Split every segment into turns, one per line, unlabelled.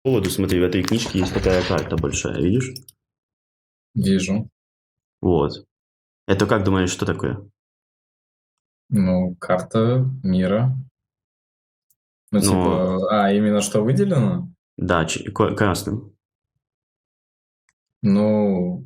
поводу, смотри, в этой книжке есть такая карта большая, видишь?
Вижу.
Вот. Это как думаешь, что такое?
Ну, карта мира. Ну,
Но,
типа, именно что выделено?
да, красным.
Ну,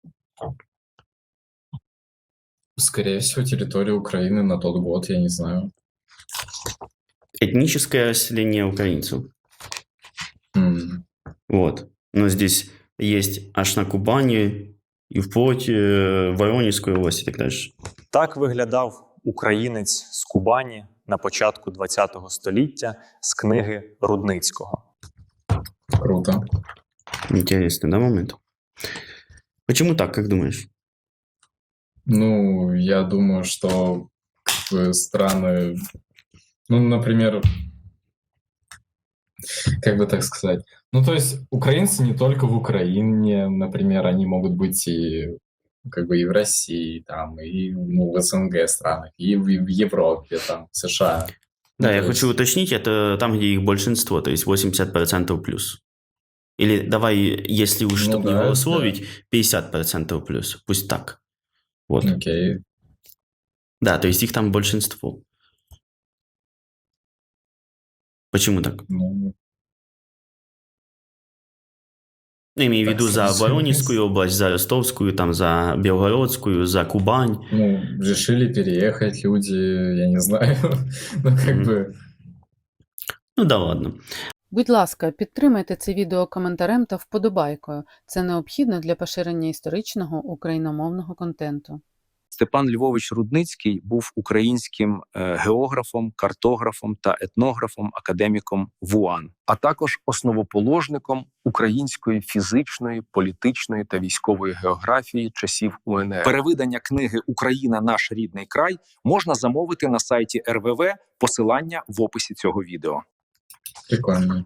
скорее всего, территория Украины на тот год, я не знаю.
Этническое расселение украинцев.
М,
Вот. Но здесь есть аж на Кубани і вплоть Воронезької області і так далі.
Так виглядав українець з Кубані на початку ХХ століття з книги Рудницького.
Круто.
Интересный, да, момент? Почему так, как думаешь?
Ну, я думаю, что как бы страны, ну, например, как бы так сказать, ну, то есть украинцы не только в Украине, например, они могут быть и как бы и в России, там, и ну, в СНГ странах, и в Европе, там, в США.
Да,
Ну,
я
то
хочу
есть,
уточнить, это там, где их большинство, то есть 80% плюс. Или давай, если уж,
ну
чтобы не
да,
голословить, 50% плюс. Пусть так. Вот.
окей.
Да, то есть их там большинство. Почему так?
Ну,
Ну, имею в
так
виду за
сложилось.
Воронежскую область, за Ростовскую, там, за Белгородскую, за Кубань.
Ну, решили переехать люди, я не знаю, ну, как
Мгм.
бы,
Ну да ладно.
Будь ласка, підтримайте це відео коментарем та вподобайкою. Це необхідно для поширення історичного україномовного контенту.
Степан Львович Рудницький був українським географом, картографом та етнографом, академіком ВУАН, а також основоположником української фізичної, політичної та військової географії часів УНР. Перевидання книги «Україна – наш рідний край» можна замовити на сайті РВВ, посилання в описі цього відео.
прикольно.